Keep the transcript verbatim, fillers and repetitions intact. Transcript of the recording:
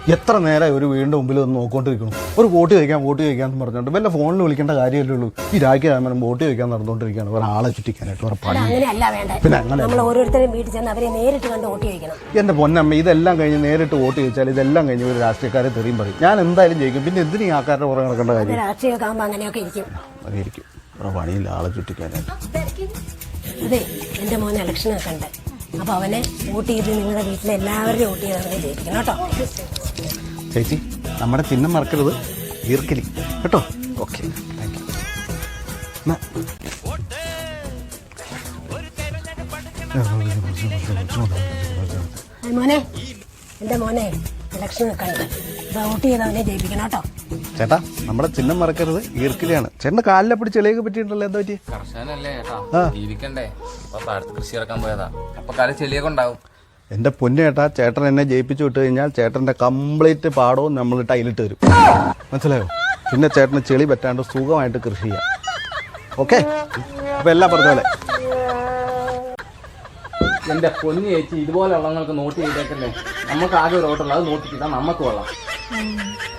എത്ര നേരം ഒരു വീടിൻ്റെ മുമ്പിൽ ഒന്ന് നോക്കിക്കൊണ്ടിരിക്കണം. ഒരു വോട്ട് ചോദിക്കാൻ വോട്ട് ചോദിക്കാന്ന് പറഞ്ഞുകൊണ്ട് വല്ല ഫോണിൽ വിളിക്കേണ്ട കാര്യമല്ലേ ഉള്ളൂ. ഈ രാജ്യം വോട്ട് ചോദിക്കാൻ നടന്നുകൊണ്ടിരിക്കുകയാണ് ഒരാളെ ചുറ്റിക്കാനായിട്ട് വേറെ പണി. പിന്നെ അങ്ങനെ ഓരോരുത്തരും വീട്ടിൽ ചെന്ന് അവരെ നേരിട്ട് കണ്ട് വോട്ട് ചോദിക്കണം. എൻ്റെ പൊന്നമ്മ, ഇതെല്ലാം കഴിഞ്ഞ് നേരിട്ട് വോട്ട് ചോദിച്ചാൽ ഇതെല്ലാം കഴിഞ്ഞ് ഒരു രാഷ്ട്രീയക്കാരെ തെറിയും പറയും. ഞാൻ എന്തായാലും ജയിക്കും. പിന്നെ എന്തിനീ ആൾക്കാരുടെ പുറകെ നടക്കേണ്ട കാര്യം? രാഷ്ട്രീയമൊക്കെ ആകുമ്പോൾ അങ്ങനെയൊക്കെ ഇരിക്കും. അങ്ങനെ ഇരിക്കും. വേറെ പണിയില്ല ആളെ ചുറ്റിക്കാനായിട്ട്. അതെ, എൻ്റെ മോൻ ഇലക്ഷനൊക്കെ ഉണ്ട്. അപ്പൊ അവനെ വോട്ട് ചെയ്ത് നിങ്ങളുടെ വീട്ടിലെ എല്ലാവരും വോട്ട് ചെയ്ത് അവനെ ജയിപ്പിക്കണം കേട്ടോ. ചേച്ചി, നമ്മുടെ ചിഹ്നം മറക്കരുത്, ഈർക്കലി കേട്ടോ. Okay, thank you. മോനെ, എൻ്റെ മോനെ ഇലക്ഷനൊക്കെ ഉണ്ട്. വോട്ട് ചെയ്ത് അവനെ ജയിപ്പിക്കണം കേട്ടോ. ചേട്ടാ, നമ്മുടെ ചിഹ്നം മറക്കരുത്, ഈർക്കലിയാണ്. ചേട്ടൻ്റെ കാലിലെ പിടിച്ച് ചെളിയൊക്കെ പറ്റിയിട്ടുണ്ടല്ലോ, എന്താ പറ്റി? കർഷകനല്ലേ ചേട്ടാ, ജീവിക്കണ്ടേ. അപ്പൊ താഴത്ത് കൃഷി ഇറക്കാൻ പോയതാ. അപ്പൊ കാലം ചെളിയൊക്കെ ഉണ്ടാവും. എൻ്റെ പൊന്നു ചേട്ടാ, ചേട്ടൻ എന്നെ ജയിപ്പിച്ചു വിട്ട് കഴിഞ്ഞാൽ ചേട്ടൻ്റെ കംപ്ലീറ്റ് പാടവും നമ്മൾ ടൈലിട്ട് തരും. മനസ്സിലായോ? പിന്നെ ചേട്ടന് ചെളി പറ്റാണ്ട് സുഖമായിട്ട് കൃഷി ചെയ്യാം. ഓക്കെ, അപ്പൊ എല്ലാം പറഞ്ഞ പോലെ. എന്റെ പൊന്നു ചേച്ചി, ഇതുപോലെ ഉള്ളവങ്ങൾക്ക് നോട്ട് ചെയ്തേക്കല്ലേ. നമുക്ക് ആകെ ഒരു ഓട്ടമുള്ള അത് നോട്ട് ചെയ്താൽ നമുക്ക് കൊള്ളാം.